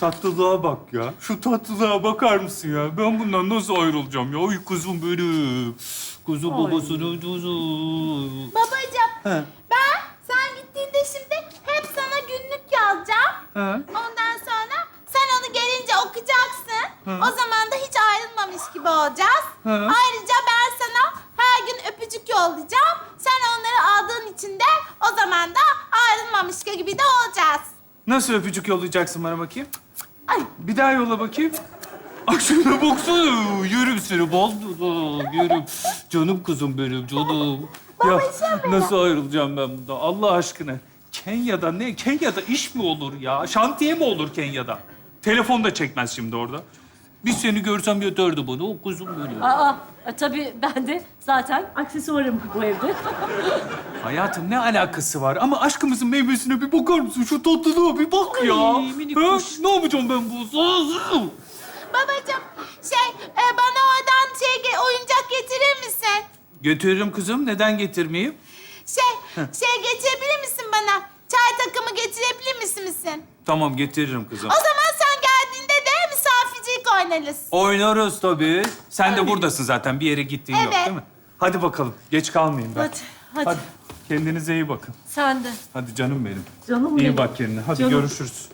tatlılığa bak ya. Şu tatlılığa bakar mısın ya? Ben bundan nasıl ayrılacağım ya? Ay kuzum benim. Kuzum babasının kuzu. Babacığım, He. ben sen gittiğinde şimdi hep sana günlük yazacağım. He. Ondan sonra sen onu gelince okuyacaksın. O zaman da hiç ayrılmamış gibi olacağız. He. Ayrıca ben sana her gün öpücük yollayacağım. Sen onları aldığın için de o zaman da ayrılmamış gibi de olacağız. Nasıl öpücük yollayacaksın bana bakayım? Ay. Bir daha yolla bakayım. Ay şuna baksana. Yerim seni bozdu. Yerim. Canım kızım benim, canım. Ya nasıl ayrılacağım ben bundan? Allah aşkına. Kenya'da ne? Kenya'da iş mi olur ya? Şantiye mi olur Kenya'da? Telefon da çekmez şimdi orada. Bir seni görsem yeterdi bana. O kuzum benim. Tabii ben de zaten aksesuarım bu evde. Hayatım ne alakası var? Ama aşkımızın meyvesine bir bakar mısın? Şu tatlılığa bir bak ya. Ay, minik Ha? kuş. Ne yapacağım ben bu? Babacığım, bana oradan oyuncak getirir misin? Getiririm kızım. Neden getirmeyeyim? Getirebilir misin bana? Çay takımı getirebilir misin? Tamam getiririm kızım. O zaman sen geldiğinde de misafircilik oynarız. Oynarız tabii. Sen de buradasın zaten. Bir yere gittiğin yok Evet. değil mi? Hadi bakalım. Geç kalmayayım ben. Hadi. Kendinize iyi bakın. Sen de. Hadi canım benim. Canım İyi benim. bak kendine. Hadi Canım. görüşürüz.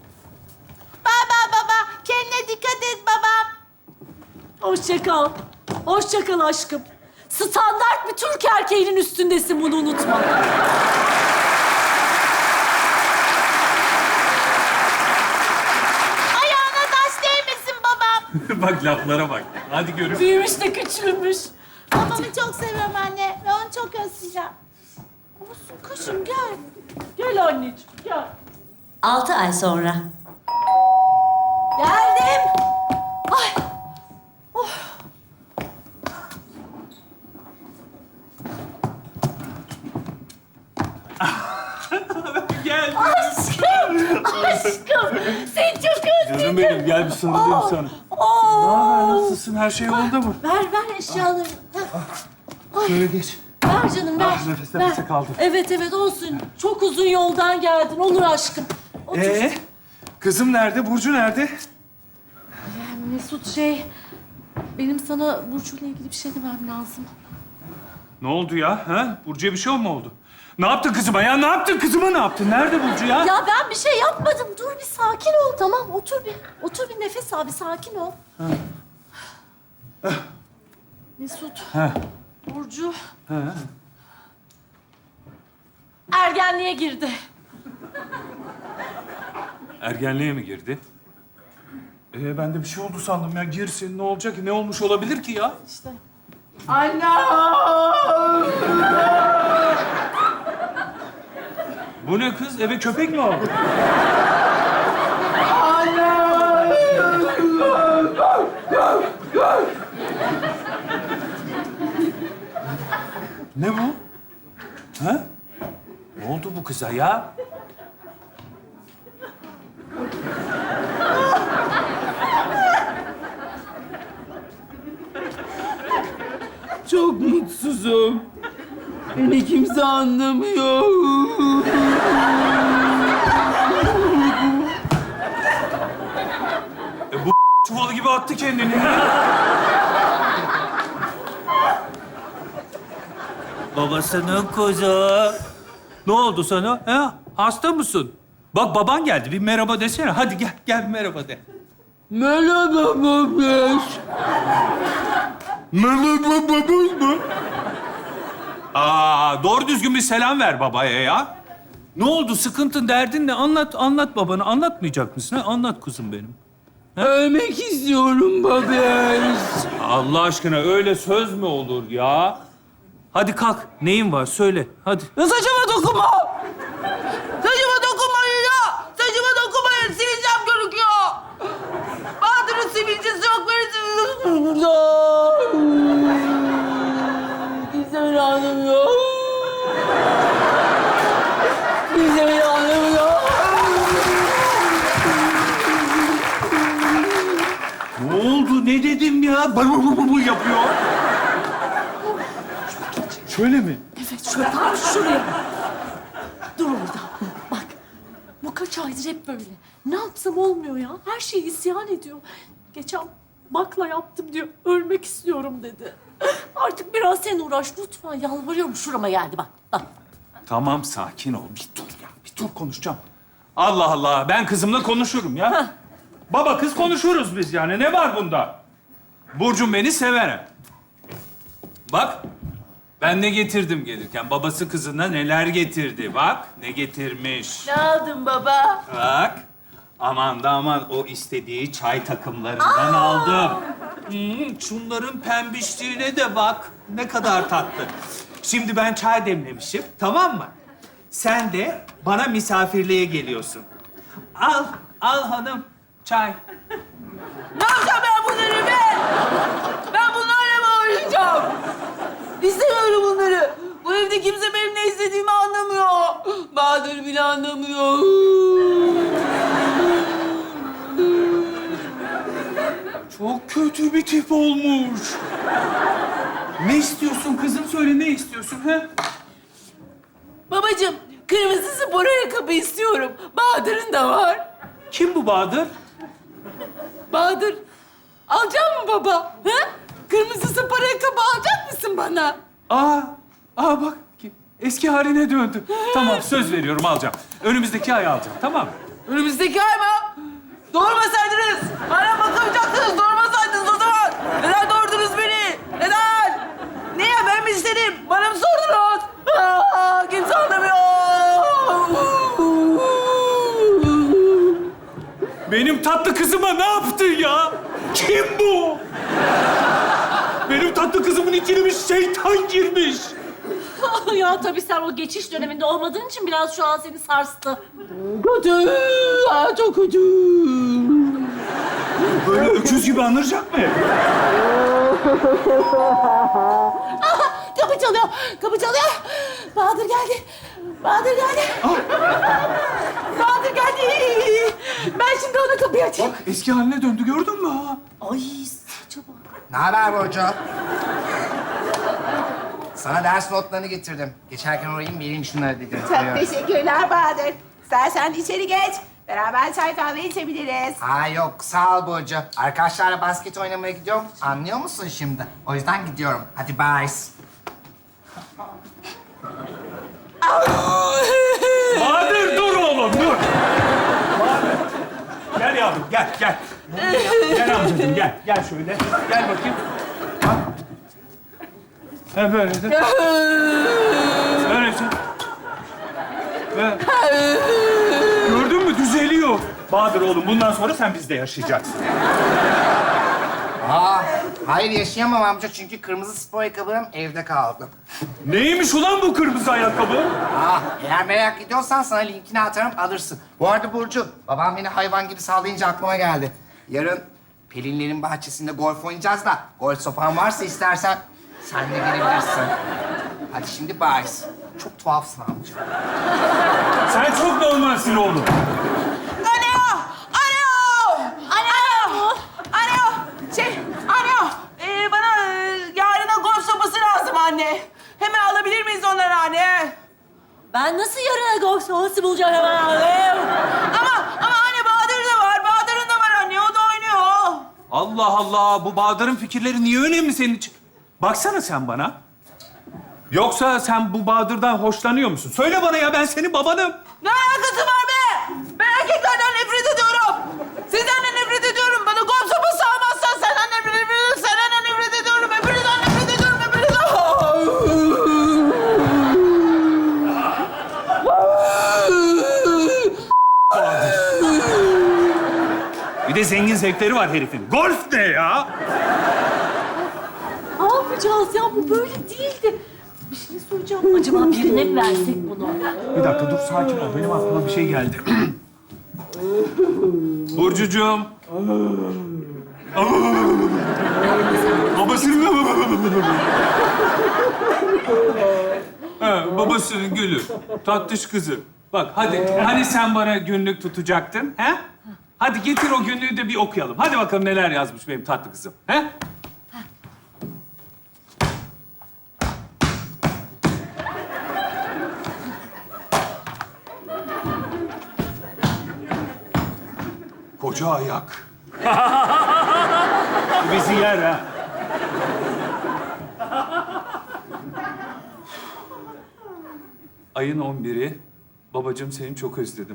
Baba, kendine dikkat et babam. Hoşça kal. Hoşça kal aşkım. Standart bir Türk erkeğinin üstündesin, bunu unutma. Ayağına taş değmesin babam. Bak laflara bak. Hadi görüşürüz. Büyümüş de küçülmüş. Babamı çok seviyorum anne ve onu çok özleyeceğim. Olsun kuşum gel. Gel anneciğim, gel. 6 ay sonra. Geldim. Ay. Gel. Aşkım, seni çok özledim. Canım benim gel bir sarılayım sana. Ne haber? Nasılsın? Her şey yolunda mı? Ver eşyalarını. Şöyle geç. Ver canım, ver. Nefes ver. nefese kaldım. Evet olsun. Çok uzun yoldan geldin. Olur aşkım. Otur. Kızım nerede? Burcu nerede? Mesut benim sana Burcu'yla ilgili bir şey demem lazım. Ne oldu ya? Ha? Burcu'ya bir şey mi oldu? Ne yaptın kızıma ya? Ne yaptın kızıma? Ne yaptın? Nerede Burcu ya? Ya ben bir şey yapmadım. Dur bir sakin ol, tamam. Otur bir nefes al, bir sakin ol. Mesut. Ha. Burcu Ha. ergenliğe girdi. Ergenliğe mi girdi? Ben de bir şey oldu sandım ya. Girsin ne olacak ki? Ne olmuş olabilir ki ya? İşte. Bu ne kız? Eve köpek mi aldı? Ne bu? Ha? Ne oldu bu kıza ya? Çok mutsuzum. Beni kimse anlamıyor. Bu çuvalı gibi attı kendini. Babasının kuzu. Ne oldu sana? Ha? Hasta mısın? Bak baban geldi. Bir merhaba desene. Hadi gel merhaba de. Merhaba babiş. Merhaba babaş mı? Doğru düzgün bir selam ver babaya ya. Ne oldu? Sıkıntın, derdin ne? Anlat babana. Anlatmayacak mısın? Ha? Anlat kuzum benim. Ölmek istiyorum babiş. Allah aşkına öyle söz mü olur ya? Hadi kalk. Neyin var? Söyle. Hadi. Ya saçıma dokunma. Saçıma dokunmayın ya. Saçıma dokunmayın. Sivilcem görüküyor. Bahadır'ın sivilcesi yok. Benim kimse beni anlamıyor. Kimse beni anlamıyor. Ne oldu? Ne dedim ya? Bu yapıyor. Şöyle mi? Evet, tam şuraya. Dur orada. Bak, bu bu kaç aydır hep böyle. Ne yapsam olmuyor ya. Her şeyi isyan ediyor. Geçen bakla yaptım diyor. Ölmek istiyorum dedi. Artık biraz sen uğraş lütfen. Yalvarıyorum, şurama geldi bak. Bak. Tamam, sakin ol. Bir dur ya, bir dur konuşacağım. Allah Allah, ben kızımla konuşurum ya. Baba kız konuşuruz biz yani. Ne var bunda? Burcum beni sever. Bak, ben ne getirdim gelirken. Babası kızına neler getirdi. Bak, ne getirmiş. Ne aldın baba? Bak. Aman da aman o istediği çay takımlarından aldım. Şunların pembişliğine de bak. Ne kadar tatlı. Şimdi ben çay demlemişim, tamam mı? Sen de bana misafirliğe geliyorsun. Al hanım çay. Ne yapacağım ben bunları ben? Ben bunlarla mı oynayacağım? İstemiyorum bunları. Bu evde kimse benim ne istediğimi anlamıyor. Bahadır bile anlamıyor. Çok kötü bir tip olmuş. Ne istiyorsun kızım? Söyle ne istiyorsun ha? Babacığım, kırmızı spor ayakkabı istiyorum. Bahadır'ın da var. Kim bu Bahadır? Bahadır, alacak mı baba? Ha? Kırmızı spor ayakkabı alacak mısın bana? Bak eski haline döndü. Tamam söz veriyorum alacağım. Önümüzdeki ay alacağım tamam mı? Önümüzdeki ay mı? Doğurmasaydınız. Bana bakamayacaktınız. Doğurmasaydınız o zaman. Neden doğurdunuz beni? Neden? Niye? Ben mi istedim? Bana mı sordunuz? Kimse anlamıyor. Benim tatlı kızıma ne yaptın ya? Kim bu? Benim tatlı kızımın içine bir şeytan girmiş. Ya tabii sen o geçiş döneminde olmadığın için biraz şu an seni sarstı. Kötü. Çok kötü. Böyle öküz gibi anıracak mı? Kapı çalıyor, kapı çalıyor. Bahadır geldi. Bahadır geldi. Bahadır geldi. Ben şimdi ona kapıyı açayım. Bak eski haline döndü gördün mü ha? Ay saça bak. Ne haber Burcu? Sana ders notlarını getirdim. Geçerken uğrayayım vereyim şunları dedim. Çok teşekkürler Bahadır. İstersen içeri geç. Beraber çay kahve içebiliriz. Ha yok sağ ol Burcu. Arkadaşlarla basket oynamaya gidiyorum. Anlıyor musun şimdi? O yüzden gidiyorum. Hadi bye. Bahadır dur oğlum dur. Bahadır. Gel yavrum gel. Gel amcacığım gel. Gel şöyle. Gel bakayım. Bak. Ha böyle de. Böylece. Ve... Gördün mü düzeliyor. Bahadır oğlum bundan sonra sen bizde yaşayacaksın. Hayır yaşayamam amca çünkü kırmızı spor ayakkabım evde kaldı. Neymiş ulan bu kırmızı ayakkabı? Eğer merak ediyorsan sana linkini atarım alırsın. Bu arada Burcu, babam beni hayvan gibi sallayınca aklıma geldi. Yarın Pelinlerin bahçesinde golf oynayacağız da golf sopan varsa istersen sen de gelebilirsin. Hadi şimdi bye. Çok tuhafsın amca. Sen çok normalsin oğlum. Alo! Bana yarına golf sopası lazım anne. Hemen alabilir miyiz onları anne? Ben nasıl yarına golf sopası bulacağım hemen alayım? Ama anne Bahadır da var. Bahadır'ın da var anne. O da oynuyor. Allah Allah, bu Bahadır'ın fikirleri niye önemli senin için? Baksana sen bana. Yoksa sen bu Bahadır'dan hoşlanıyor musun? Söyle bana ya, ben senin babanım. Ne alakası var be? Ben erkeklerden nefret ediyorum. Sizden de nefret ediyorum. Bana golf sopası almazsan senden nefret ediyorum. Senden de nefret ediyorum. Hepinizden nefret ediyorum. Bir de zengin zevkleri var herifin. Golf ne ya? Ne yapacağız ya? Bu böyle değildi. Bir şey soracağım. Acaba birine mi versek bunu? Bir dakika dur, sakin ol. Benim aklıma bir şey geldi. Burcucuğum. Babasının... babasının gülü. Tatlış kızı. Bak hadi. Hani sen bana günlük tutacaktın? He? Hadi getir o günlüğü de bir okuyalım. Hadi bakalım neler yazmış benim tatlı kızım. He? Ocağı yak. Bizi yer ha. Ayın 11'i. Babacığım seni çok özledim.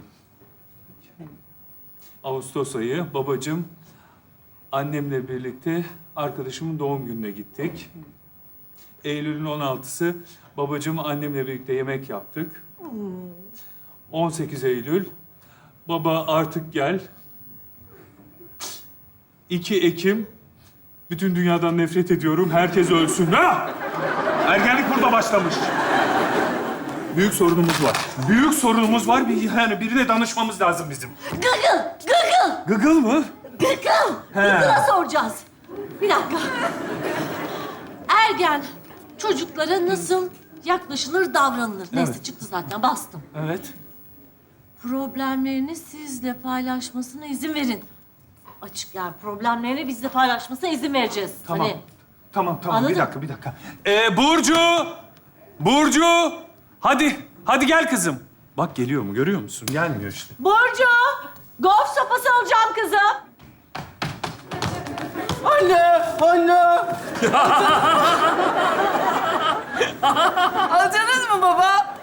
Ağustos ayı. Babacığım annemle birlikte arkadaşımın doğum gününe gittik. Eylül'ün 16'sı. Babacığım annemle birlikte yemek yaptık. 18 Eylül. Baba artık gel. 2 Ekim. Bütün dünyadan nefret ediyorum. Herkes ölsün. Ha! Ergenlik burada başlamış. Büyük sorunumuz var. Büyük sorunumuz var. Yani birine danışmamız lazım bizim. Gıgıl, gıgıl, Gıgıl mı? gıgıl. He. Gıgıl'a soracağız. Bir dakika. Ergen çocuklara nasıl yaklaşılır, davranılır? Neyse Evet. çıktı zaten, bastım. Evet. Problemlerini sizle paylaşmasına izin verin. Açık yani problemlerini bizle paylaşmasına izin vereceğiz. Tamam. Hani Tamam. Anladın? Bir dakika. Burcu! Burcu! Hadi gel kızım. Bak geliyor mu? Görüyor musun? Gelmiyor işte. Burcu, golf sopası alacağım kızım. Anne! Alacaksınız mı baba?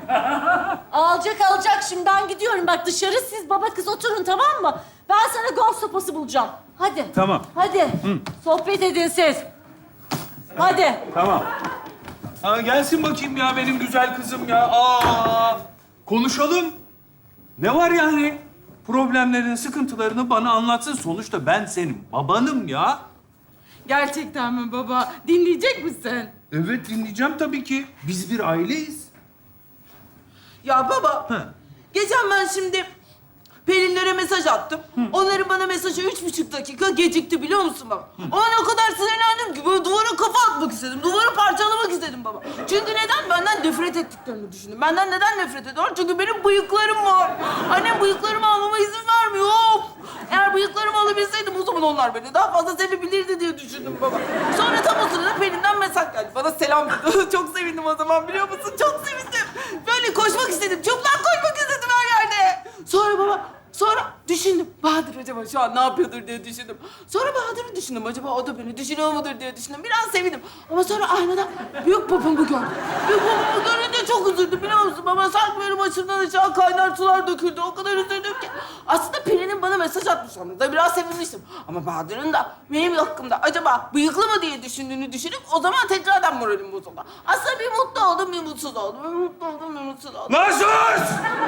Alacak şimdi ben gidiyorum. Bak dışarı siz baba kız oturun tamam mı? Ben sana golf sopası bulacağım. Hadi. Tamam. Hadi. Sohbet edin siz. Hadi. Tamam. Gelsin bakayım ya benim güzel kızım ya. Konuşalım. Ne var yani? Problemlerini, sıkıntılarını bana anlatsın. Sonuçta ben senin babanım ya. Gerçekten mi baba? Dinleyecek misin? Evet dinleyeceğim tabii ki. Biz bir aileyiz. Ya baba, geçen ben şimdi Pelinlere mesaj attım. Onların bana mesajı 3,5 dakika gecikti biliyor musun baba? Ona o kadar sinirlendim ki böyle duvara kafa atmak istedim. Duvarı parçalamak istedim baba. Çünkü neden? Benden nefret ettiklerini düşündüm. Benden neden nefret ediyorlar? Çünkü benim bıyıklarım var. Annem bıyıklarımı almama izin vermiyor. Of! Eğer bıyıklarımı alabilseydim o zaman onlar beni daha fazla sevebilirdi diye düşündüm baba. Sonra tam o sırada Pelin'den mesaj geldi. Bana selam dedi. Çok sevindim o zaman biliyor musun? Çok sevindim. Böyle koşmak istedim. Çıplak koşmak istedim her yerde. Sonra düşündüm. Bahadır acaba şu an ne yapıyordur diye düşündüm. Sonra Bahadır'ı düşündüm. Acaba o da beni düşünüyor mudur diye düşündüm. Biraz sevindim. Ama sonra aynada büyük babamı gördüm. Büyük babamı görünce çok üzüldüm biliyor musun? Baba sanki benim başımdan aşağı kaynar sular döküldü. O kadar üzüldüm ki. Aslında Pelin'in bana mesaj atmış olmasına biraz sevinmiştim. Ama Bahadır'ın da benim hakkımda acaba bıyıklı mı diye düşündüğünü düşünüp o zaman tekrardan moralim bozuldu. Aslında bir mutlu oldum, bir mutsuz oldum. Bir mutlu oldum, bir mutsuz oldum. Lan sus!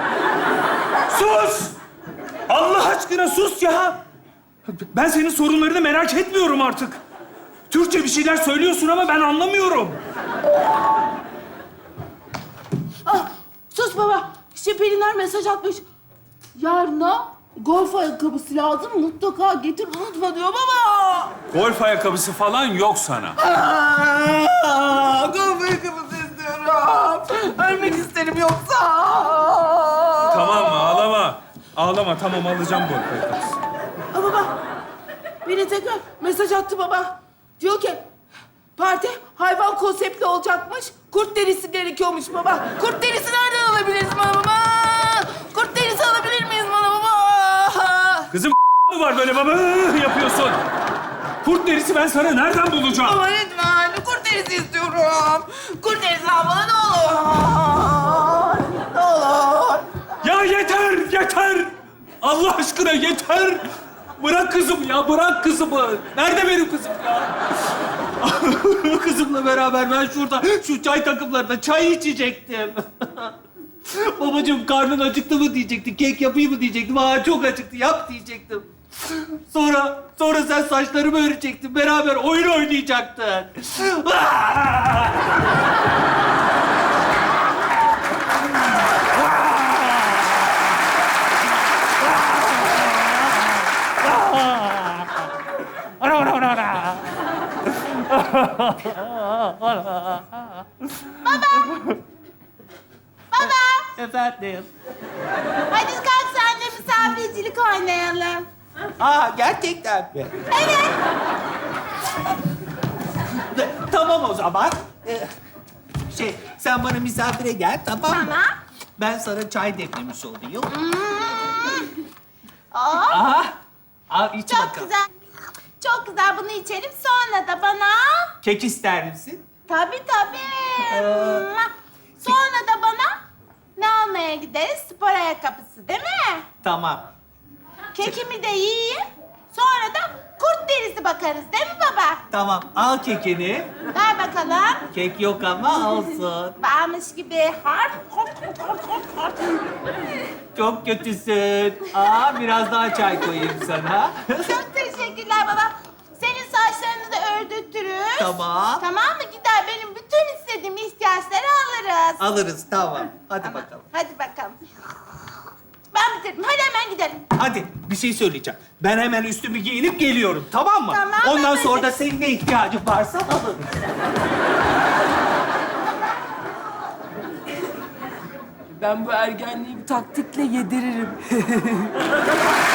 Sus! Allah aşkına sus ya! Ben senin sorunlarını merak etmiyorum artık. Türkçe bir şeyler söylüyorsun ama ben anlamıyorum. Sus baba. İşte Pelinler mesaj atmış. Yarına golf ayakkabısı lazım. Mutlaka getir unutma diyor baba. Golf ayakkabısı falan yok sana. Golf ayakkabısı istiyorum. Ölmek isterim yoksa. Tamam ağlama. Ağlama tamam alacağım golf ayakkabısı. Baba. Beni tekrar mesaj attı baba. Diyor ki parti hayvan konseptli olacakmış. Kurt derisi gerekiyormuş baba. Kurt derisi nereden alabiliriz baba? Kurt derisi alabilir miyiz baba? Kızım mı var böyle baba yapıyorsun? Kurt derisi ben sana nereden bulacağım? Baba lütfen kurt derisi istiyorum. Kurt derisi al bana ne olur. Ne olur. Ya yeter! Allah aşkına yeter! Bırak kızım ya, bırak kızımı. Nerede benim kızım ya? Kızımla beraber ben şurada, şu çay takımlarında çay içecektim. Babacığım karnın acıktı mı diyecekti, kek yapayım mı diyecektim. Çok acıktı, yap diyecektim. Sonra sen saçlarımı örecektin, beraber oyun oynayacaktın. Efendim. Hadi kalk senle misafircilik oynayalım. Gerçekten mi? Evet. Tamam o zaman. Sen bana misafire gel, tamam mı? Tamam. Ben sana çay demlemiş olayım. Aa, Al iç Çok bakalım. güzel. Çok güzel, bunu içelim. Sonra da bana... Kek ister misin? Tabii tabii. Sonra da bana ne almaya gideriz? Spor ayakkabısı değil mi? Tamam. Kekimi de yiyeyim. Sonra da kurt derisi bakarız değil mi baba? Tamam. Al kekini. Ver bakalım. Kek yok ama olsun. Varmış gibi. Çok kötüsün. Aa biraz daha çay koyayım sana. Çok teşekkürler baba. Senin saçlarını da ördürtürüz. Tamam. Tamam mı? Gider benim bütün istediğim ihtiyaçları alırız. Alırız tamam. Hadi Tamam. bakalım. Hadi bakalım. Ben bitirdim. Hadi hemen gidelim. Hadi bir şey söyleyeceğim. Ben hemen üstümü giyinip geliyorum tamam mı? Tamam, Ondan ben sonra de- da senin ne ihtiyacın varsa alırız. Ben bu ergenliği bir taktikle yediririm.